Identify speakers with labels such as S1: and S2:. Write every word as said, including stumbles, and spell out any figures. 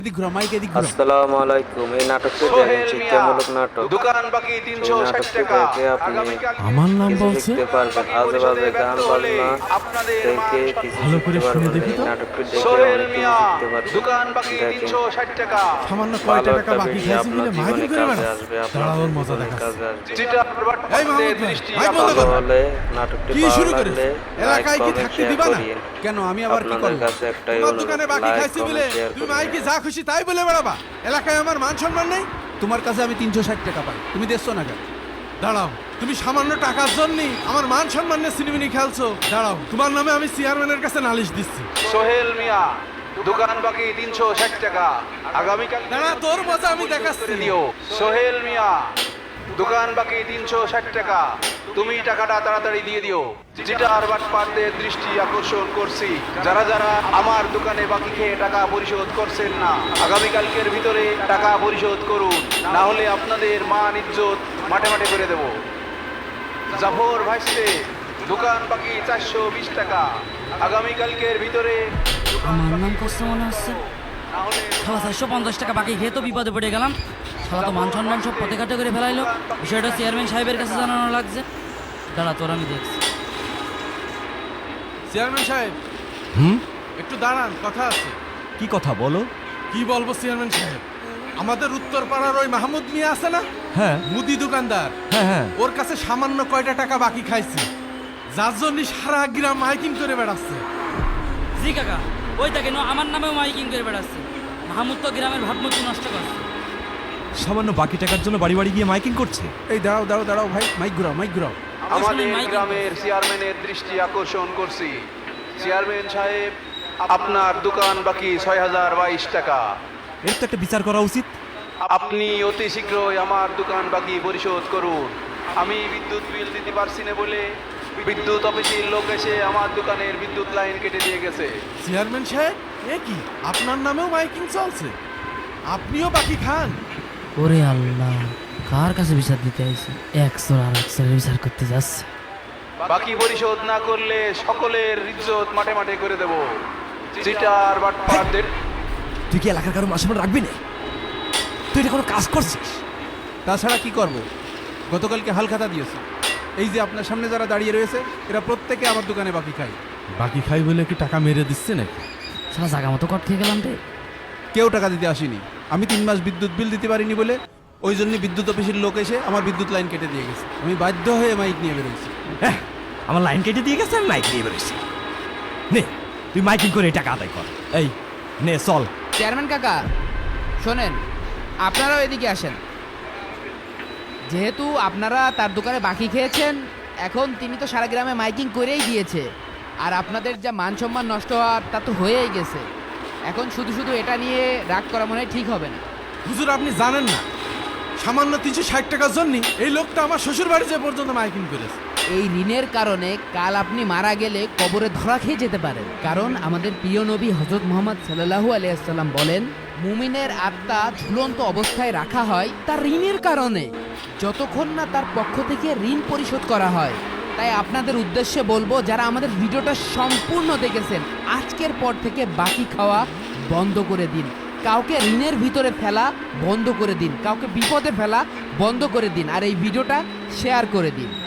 S1: আসসালামু আলাইকুম। এই নাটকটি দেখেন শিক্ষামূলক নাটক।
S2: দোকান বাকি তিনশো ষাট টাকা।
S1: আপনি
S3: আমার নাম
S1: কিছু
S3: বলছে
S1: শিখতে পারবেন, আজে বাজে গান বাজনা থেকে কিছু
S3: ভালো করে
S1: শিখতে
S3: শুনে
S1: পারবেন।
S3: দেখি
S1: এই
S3: তো।
S1: নাটকটি দেখে
S2: সোহেল
S1: অনেক কিছু
S2: মিয়া,
S1: শিখতে পারবেন।
S2: দোকান বাকি
S1: দেখেন,
S2: তিনশো ষাট টাকা।
S3: সামান্য কয়
S1: ভালো
S3: টাকা
S1: একটা
S3: বাকি
S1: ভিডিও
S3: খাইছি
S1: আপনার
S3: বলে মাইকিং
S1: জীবনে
S3: করে
S1: কাজে
S3: বেড়াস।
S1: আসবে,
S3: দাঁড়া,
S1: আপনার
S3: ওর মজা
S1: জীবনে
S3: দেখাচ্ছে।
S1: কাজে আসবে।
S2: চিটার
S3: এই
S2: বাটপারদের
S3: মাহমুদ ভাই,
S2: দৃষ্টি
S3: মাইক বন্ধ
S1: ভালো
S3: করো।
S1: হলে নাটকটি
S3: কি
S1: ভালো
S3: শুরু করেছ?
S1: লাগলে লাইক
S3: এলাকায় কি
S1: কমেন্ট
S3: থাকতে
S1: শেয়ার
S3: দিবা না?
S1: করিয়েন।
S3: কেন আমি আবার কি
S1: আপনাদের
S3: করব?
S1: কাছে একটাই
S3: তোমার
S1: অনুরোধ,
S3: দোকানে বাকি
S1: লাইক
S3: খাইছি বলে
S1: কমেন্ট শেয়ার
S3: তুমি
S1: করিয়েন।
S3: মাইকে যা খুশি তাই বলে বেড়াবা। এলাকায় আমার মান সম্মান নেই। তোমার কাছে আমি তিনশো ষাট টাকা পাই, তুমি দেখছো না কেন? দাঁড়াও, তুমি সামান্য টাকার জন্য আমার মান সম্মান নিয়ে সিনেমিনি খেলছো? দাঁড়াও, তোমার নামে আমি চেয়ারম্যানের কাছে নালিশ দিচ্ছি।
S2: সোহেল মিয়া, দোকান বাকি তিনশো ষাট টাকা। আগামীকাল
S3: দাঁড়া, তোর মজা আমি দেখাচ্ছি।
S2: করে দিও। সোহেল মিয়া, দোকান বাকি তিনশো ষাট টাকা। তুমি টাকাটা তাড়াতাড়ি দিয়ে দিও। চিটার বাটপারদের দৃষ্টি আকর্ষণ করছি, যারা যারা আমার দোকানে বাকি খেয়ে টাকা পরিশোধ করছেন না, আগামীকালকের ভিতরে টাকা পরিশোধ করুন, না হলে আপনাদের মান ইজ্জত মাঠে মাঠে করে দেব। জাফর ভাইসে, দোকান বাকি চারশো বিশ টাকা। আগামীকালকের ভিতরে
S4: আমার নাম করছে মনে হচ্ছে। শালা চারশো পঞ্চাশ টাকা বাকি খেয়ে তো বিপদে পড়ে গেলাম। শালা তো মান সম্মান সব পথে কাটে করে ফেলাইলো। বিষয়টা চেয়ারম্যান সাহেবের কাছে জানানো লাগছে। দাঁড়া, তোর আমি দেখছি।
S3: চেয়ারম্যান সাহেব,
S5: হুম
S3: একটু দাঁড়ান, কথা আছে।
S5: কি কথা বলো?
S3: কি বলবো চেয়ারম্যান সাহেব, আমাদের উত্তর পাড়ার ওই মাহমুদ মিয়া আছে না,
S5: হ্যাঁ
S3: মুদি দোকানদার,
S5: হ্যাঁ হ্যাঁ
S3: ওর কাছে সামান্য কয়টা টাকা বাকি খাইছি, যার জন্য সারা গ্রাম মাইকিং করে বেড়াচ্ছে।
S4: জি কাকা, ওই দেখে আমার নামেও মাইকিং করে বেড়াচ্ছে। মাহমুদ তো গ্রামের ভাবমূর্তি নষ্ট করছে।
S5: সামান্য বাকি টাকার জন্য বাড়ি বাড়ি গিয়ে মাইকিং করছে।
S3: এই দাঁড়াও দাঁড়াও দাঁড়াও ভাই, মাইক ঘুরাও মাইক ঘুরাও।
S2: আমাদের
S4: মাইকিং
S2: গ্রামের চেয়ারম্যানের দৃষ্টি আকর্ষণ করছি। চেয়ারম্যান সাহেব, আপনার দোকান বাকি ছয় হাজার বাইশ টাকা।
S5: এর তো একটা বিচার করা উচিত।
S2: আপনি অতি শীঘ্রই আমার দোকান বাকি পরিশোধ করুন। আমি বিদ্যুৎ বিল দিতে পারছি না বলে বিদ্যুৎ অফিসের লোক এসে আমার দোকানের বিদ্যুৎ লাইন কেটে দিয়ে গেছে।
S3: চেয়ারম্যান সাহেব, এ কি আপনার নামেও মাইকিং চলছে? আপনিও বাকি খান?
S4: ওরে আল্লাহ, কার কাছে বিচার দিতে আইছি? একশো আর একশো বিচার করতে যাচ্ছে।
S2: বাকি পরিশোধ না করলে সকলের ইজ্জত মাঠে মাঠে করে দেব। চিটার বাটপারদের
S5: তুই কি এলাকার কারো মাসে রাখবি না? তুই এটা কোনো কাজ করছিস?
S3: তাছাড়া কি করব? গতকালকে হালখাতা দিয়েছে, এই যে আপনার সামনে যারা দাঁড়িয়ে রয়েছে এরা প্রত্যেকে আমার দোকানে বাকি খায়। বাকি খাই বলে কি টাকা মেরে দিচ্ছে নাকি?
S4: সারা জায়গা মতো কট খেয়ে গেলাম রে।
S3: কেউ টাকা দিতে আসেনি, আমি তিন মাস বিদ্যুৎ বিল দিতে পারিনি বলে ওই জন্য বিদ্যুৎ অফিসের লোক এসে আমার বিদ্যুৎ লাইন কেটে দিয়ে গেছে। আমি বাধ্য হয়ে মাইক নিয়ে বেরোইছি।
S5: হ্যাঁ, আমার লাইন কেটে দিয়ে গেছে, আমি মাইক নিয়ে বেরোচ্ছি। নে, তুই মাইকিং করে এই টাকা আদায় কর। এই নে চল।
S6: চেয়ারম্যান কাকা শোনেন, আপনারাও এদিকে আসেন। যেহেতু আপনারা তার দোকানে বাকি খেয়েছেন, এখন তিনি তো সারা গ্রামে মাইকিং করেই দিয়েছে, আর আপনাদের যা মান সম্মান নষ্ট হওয়ার তা তো হয়েই গেছে। এখন শুধু শুধু এটা নিয়ে রাগ করা মনে হয় ঠিক হবে না।
S3: হুজুর, আপনি জানেন না, সামান্য তিনশো ষাট টাকার জন্য এই লোকটা আমার শ্বশুর বাড়ি যে পর্যন্ত মাইকিং করেছে।
S6: এই ঋণের কারণে কাল আপনি মারা গেলে কবরে ধরা খেয়ে যেতে পারেন। কারণ আমাদের প্রিয় নবী হযরত মুহাম্মদ সাল্লাল্লাহু আলাইহি ওয়াসাল্লাম বলেন, মুমিনের আত্মা ঝুলন্ত অবস্থায় রাখা হয় তার ঋণের কারণে, যতক্ষণ না তার পক্ষ থেকে ঋণ পরিশোধ করা হয়। তাই আপনাদের উদ্দেশ্যে বলবো, যারা আমাদের ভিডিওটা সম্পূর্ণ দেখেছেন, আজকের পর থেকে বাকি খাওয়া বন্ধ করে দিন। কাউকে ঋণের ভিতরে ফেলা বন্ধ করে দিন, কাউকে বিপদে ফেলা বন্ধ করে দিন, আর এই ভিডিওটা শেয়ার করে দিন।